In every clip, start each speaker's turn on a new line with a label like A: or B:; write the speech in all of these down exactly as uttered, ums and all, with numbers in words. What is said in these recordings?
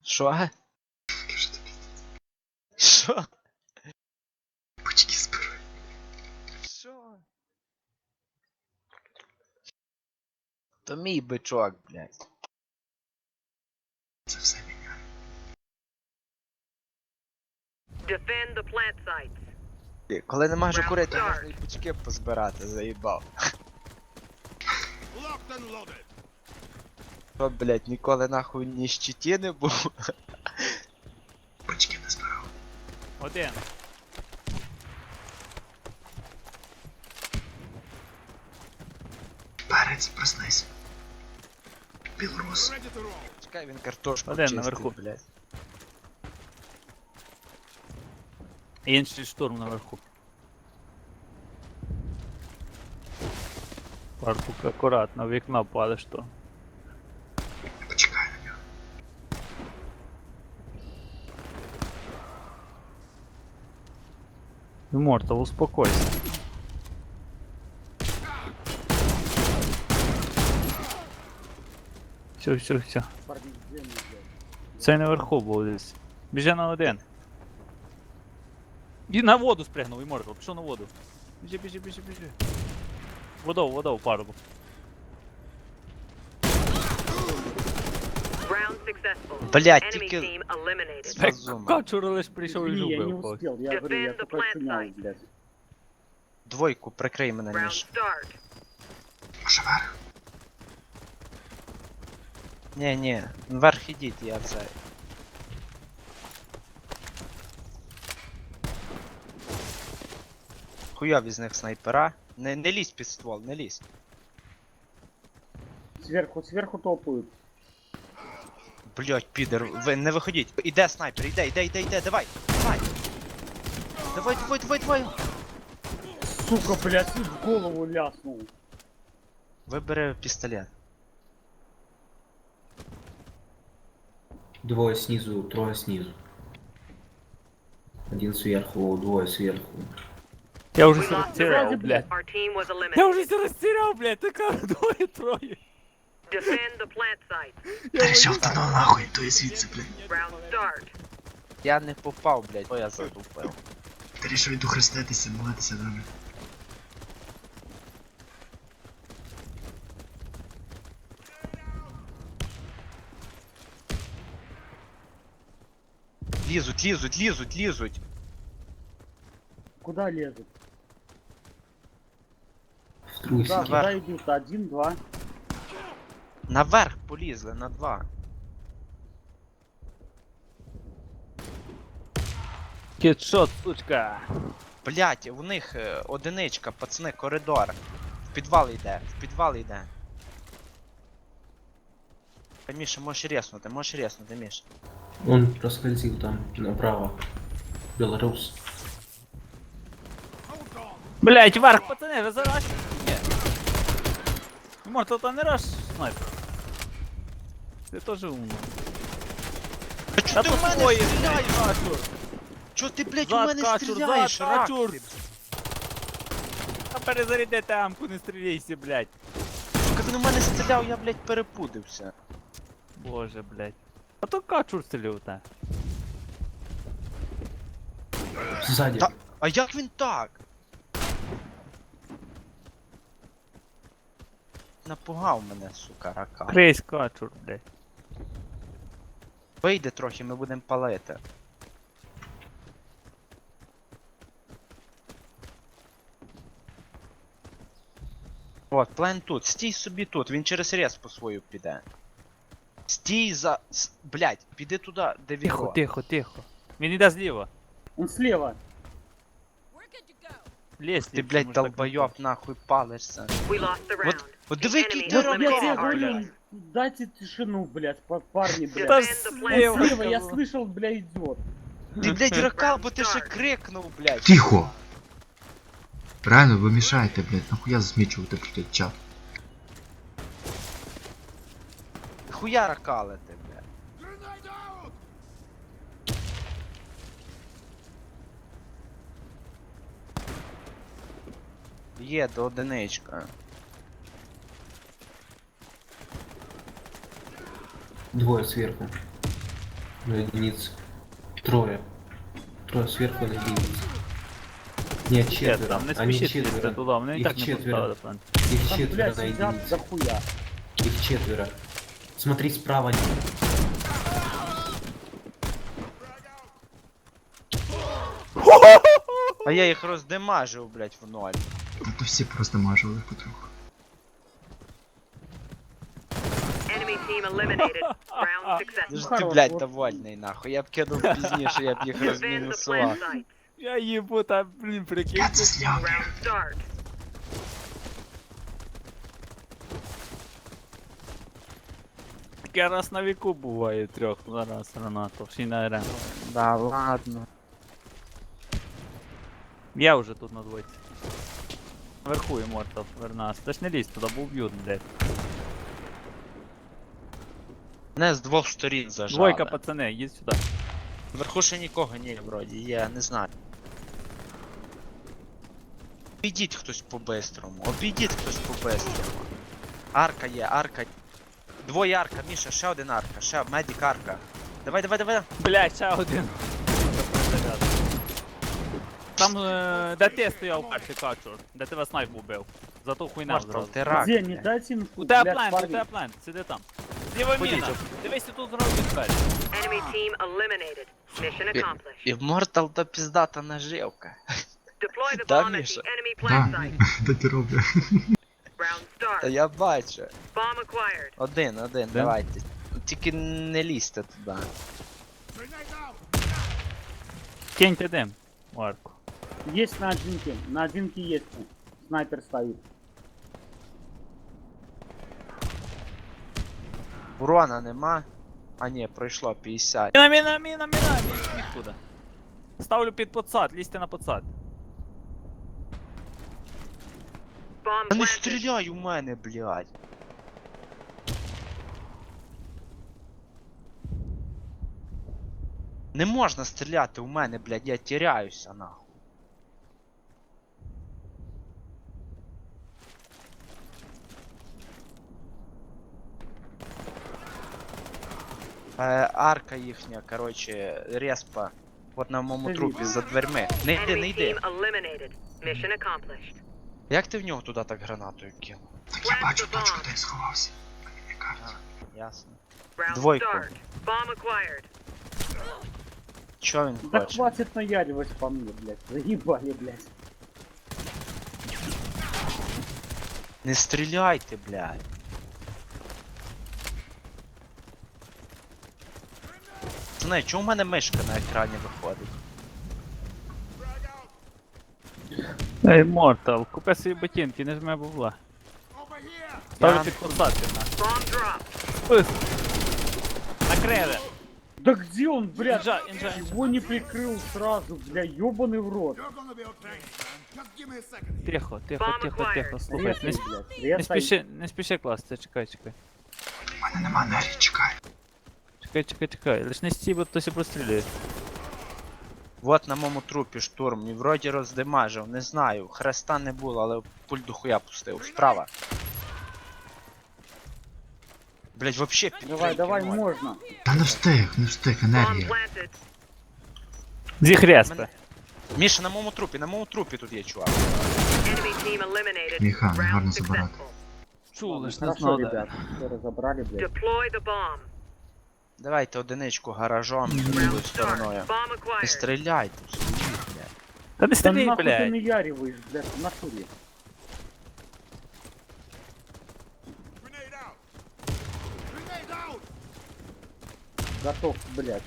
A: Що? Що?
B: Бочки збирай.
A: Що? То мій бичок, блядь.
B: Це все міняє.
C: Defend the plant sites.
A: Коли не можу
C: Round
A: курити,
C: start.
A: можна і бички позбирати, заїбав. Що, блядь, ніколи нахуй ні щиті не був.
B: Бочки не збирав.
D: Один.
B: Перець, проснись. Білорус.
A: Чекай, він картошку
D: Один
A: чистить,
D: наверху.
A: блядь.
D: Інший штурм наверху. Паркук акуратно, в вікно падеш то.
B: Почекай на нього.
D: Immortal, успокойся. Все, все, все. Це наверху був десь. Біжи на один. І на воду спригнув, Immortal, пішов на воду. Біжи, біжи, біжи, біжи. Водов, водов, пару.
C: Round successful.
A: Блядь,
C: Enemy
A: тільки-
C: team eliminated.
A: Так, Зума.
D: Качур лиш прийшов і
E: Не, я не
D: любив когось.
E: успел, я говорю, я
C: Defend the
E: только
C: plant
E: снял,
C: site.
E: блядь.
A: Двойку, прикрий мене,
C: Round
A: Міш.
C: start.
B: Може верх?
A: Ні, ні, вверх ідіть, я це. Хуйові з них снайпера. Не, не лізь під ствол, не лізь.
E: Сверху, сверху топают.
A: Блять, підер, ви не виходіть. Іде снайпер, іде, іде, іде, іде, давай, давай. Давай, давай, давай, давай.
E: Сука, блядь, чуть в голову ляснул.
A: Вибери пістолет.
F: Двое снизу, трое снизу. Один сверху, двое сверху.
D: Я вже
C: We
D: все
C: lost the
D: розтіряв,
C: round.
D: блядь.
C: Our team was
D: Я
C: eliminated.
D: вже все розтіряв, блядь, така двоє-троє.
C: Defend the plant site.
B: Та рішив, та ну нахуй, то є звідси, блядь.
C: Round start.
A: Я не попав, блять, бо я задупив.
B: Та рішив йду хреститися, молитися, добре.
A: Лізуть, лізуть, лізуть, лізуть.
E: Куда лезут?
F: В другую
E: Куда,
F: сторону.
E: куда идут? Один, два.
A: Наверх полізли, на два.
D: Кітшот, сучка.
A: Блять, у них е, одиничка, пацани, коридор. В підвал йде, в підвал йде. Та, Міша, можеш резнути, можеш резнути, Міш.
F: Он проскользил там направо. Белорус.
D: Блять, вверх, пацани, ви зараз? Ні. Immortal, там не раш снайпер. Ти теж умно.
A: Та
D: Та
A: чо ти
D: то
A: в мене
D: твої,
A: стріляєш?
D: блядь, качур.
A: Чо ти, блять, у
D: Зад
A: мене
D: качур,
A: стріляєш,
D: зад качур.
A: рак?
D: Та перезаряди тамку, не стріляйся, блять.
A: Сука, він у мене стріляв, я, блять, перепудився.
D: Боже, блять. А то качур стріляв, та.
F: Сзади.
A: Та- А як він так? Напугав мене, сука, рака.
D: Крейсь качур, блять.
A: Вийде трохи, ми будемо палити. От, плен тут. Стій собі тут, він через респу свою піде. Стій за... с- Блядь, піди туди, де
D: Тихо,
A: відро.
D: тихо, тихо. Він іде зліва.
E: Он слева.
D: Лезь,
A: Ти, блядь, долбойоб, нахуй палишся.
C: We lost the round.
A: Вот диви,
C: The
A: який
C: enemy
A: ти
E: Вот
A: ракал,
E: я тебе
C: eliminated our
E: говорю,
C: team.
E: дайте тишину, блядь, па- парни,
D: Та
E: блядь.
C: Defend the
E: Он
C: plant
D: слева.
E: слева, я
C: site.
E: слышал, бля, идет.
A: Ти, блядь, ракал, бо ти ще крикнув, блядь.
B: Тихо! Правильно, ви мішаєте, блядь, нахуя засмічувати, блядь, чат.
A: Хуя ракалити, блядь. Є до одиничка.
F: Двое сверху. На единице. Трое. Трое сверху на единице. Нет,
D: Нет,
F: четверо.
D: там не
F: Они
D: спішіть лізти
F: четверо.
D: туди, вони і
F: Їх
D: так не
F: четверо.
D: поставили план.
F: Их
E: Там,
F: четверо
E: блядь,
F: на
E: сидят
F: единице.
E: дохуя.
F: Их четверо. Смотри справа.
A: А я їх роздемажив, блядь, в ноль.
B: Та то всі просто мажили потроху.
C: Enemy team eliminated. Round
A: Ти
C: successful.
A: ж ти,
E: Хорош,
A: блядь,
E: вот.
A: довольний, нахуй. Я б кинув пізніше, я б їх
C: Defend the
A: розмінусував.
C: plant site.
D: Я їбу, та, блін, прикинь.
B: Я це зняв.
C: Round start.
D: Таке раз на віку буває трьох зараз гранатов, ще й на арен.
A: Да, ладно.
D: Я вже тут на двойці. Наверху Immortal, Вернас. Та ж не лізь туди, бо вб'ють, блядь.
A: Мене з двох сторін зажали.
D: Двойка, пацани, їдь сюди.
A: Вверху ще нікого ні, вроді, я не знаю. Обійдіть хтось по-бистрому, обійдіть хтось по-бистрому. Арка є, арка. Двоє арка, Міша, ще один арка, ще медик арка. Давай, давай, давай.
D: Блядь, ще один. Там, е, де ти стояв перший качур, де тебе снайп убив. Зато хуйня
A: Мартал,
D: зразу.
A: ти рак.
E: Где, не
A: блядь.
E: дайте инфу,
D: У тебе
E: блядь,
D: плент, у
E: парни.
D: тебе плент, сиди там. Зліва
A: Ходіть,
D: міна.
A: оп.
D: Дивись, тут зразу двері.
C: Enemy team eliminated. Mission accomplished.
A: Іммортал то піздата наживка.
C: Deploy the
A: Да,
C: bomb at
A: Миша.
C: the enemy plant
B: Да,
C: site.
B: так і роблю.
C: Round
A: Та
C: start.
A: я бачу.
C: Bomb acquired.
A: Один, один, давайте. Тільки не лізьте туди.
D: Киньте дим, Марку.
E: Есть на одинке, на одинке есть. Снайпер стоит.
A: Урона нема. А ні, пройшло п'ятдесят.
D: Міна, міна, міна, міна, нікуди. Ставлю під подсад, лізьте на подсад.
C: Bomb
A: Та не
C: planted.
A: стріляй у мене, блядь. Не можна стріляти у мене, блядь, я тіряюся, нахуй. Е, арка їхня, короче, респа. От на моєму
E: Це
A: трупі,
E: відео.
A: за дверми. Не йди, не
C: Enemy
A: йди.
C: team eliminated. Mission accomplished.
A: Як ти в нього туди так гранатою кинув?
B: Так я бачу, бачу, куди я сховався. Мені кажуть.
A: Ясно.
C: Round
A: Двойку.
C: start. Bomb acquired.
A: Чо він
E: Да
A: хоче?
E: хватит наяривать по мне, блядь. Заебали, блядь.
A: Не стріляйте, блядь. Знає, чому в мене мишка на екрані виходить?
D: Ей, Мортал, купи свої ботинки, не жми бабла. Ставлю
A: Я-
D: під подсад, ти на.
C: Bomb dropped.
D: Спис. Накрили.
E: Да где он, блядь?
D: Инжа, инжа, инжа.
E: Его не прикрыл сразу, бля, ёбаный в рот.
D: Тихо, тихо,
C: Bomb
D: тихо, тихо,
C: acquired.
D: слухай. Не,
E: Резай,
D: с-
E: блядь,
D: не
E: резай.
D: спіши, не спіши класти, чекай, чекай.
B: У мене нема нері, чекай.
D: Чекай, чекай, чекай. Лиш не стій, бо хтось і прострілює.
A: Вот на моєму трупі штурм, і вроді роздимажив, не знаю. Хреста не було, але пульт до хуя пустив. Справа. Блять, вообще
E: Давай, давай,
A: ноль.
E: можно.
B: Та не встиг, не встиг,
C: Bomb
B: енергія.
C: planted.
D: Зі хреспи.
A: Мене- Міша, на моєму трупі, на моєму трупі тут є чувак.
C: Enemy team eliminated.
B: Міха, не
C: Round
B: гарно забирати.
C: successful.
D: Чув, лиш не
E: Хорошо,
D: знав, де.
E: ребят. Все разобрали, блядь.
C: Deploy the bomb.
A: Давайте одиничку гаражом,
C: Round
A: другою
C: start.
A: стороною.
C: Bomb
A: Не
C: acquired.
A: стріляйте, стоїть, блядь.
D: Та не
E: Да
D: стрій,
E: нахуй ты
D: блядь.
E: наяриваешь, блядь, в натуре. Готов, блядь.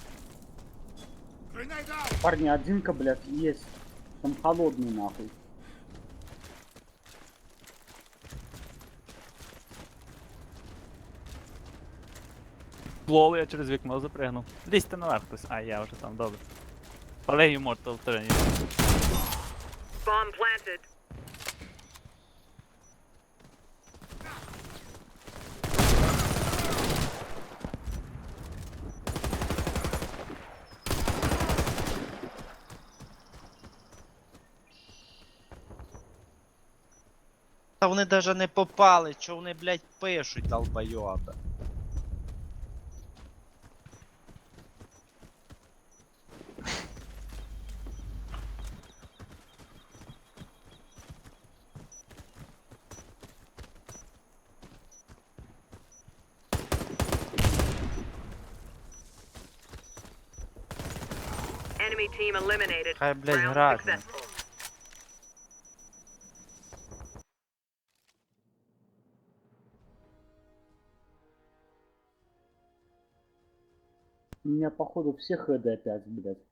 E: Парни, одинка, блядь, есть. Там холодный, нахуй.
D: Лол, я через вікно запригнув. Лізьте наверх хтось. А, я вже там, добре. Але Immortal теж ні.
C: Bomb planted.
A: Та вони даже не попали, чо вони, блядь, пишуть, долбойоби.
C: Enemy team eliminated.
A: Хай, блядь,
C: Round
A: грати.
C: successful.
E: У меня походу все хд опять, блядь.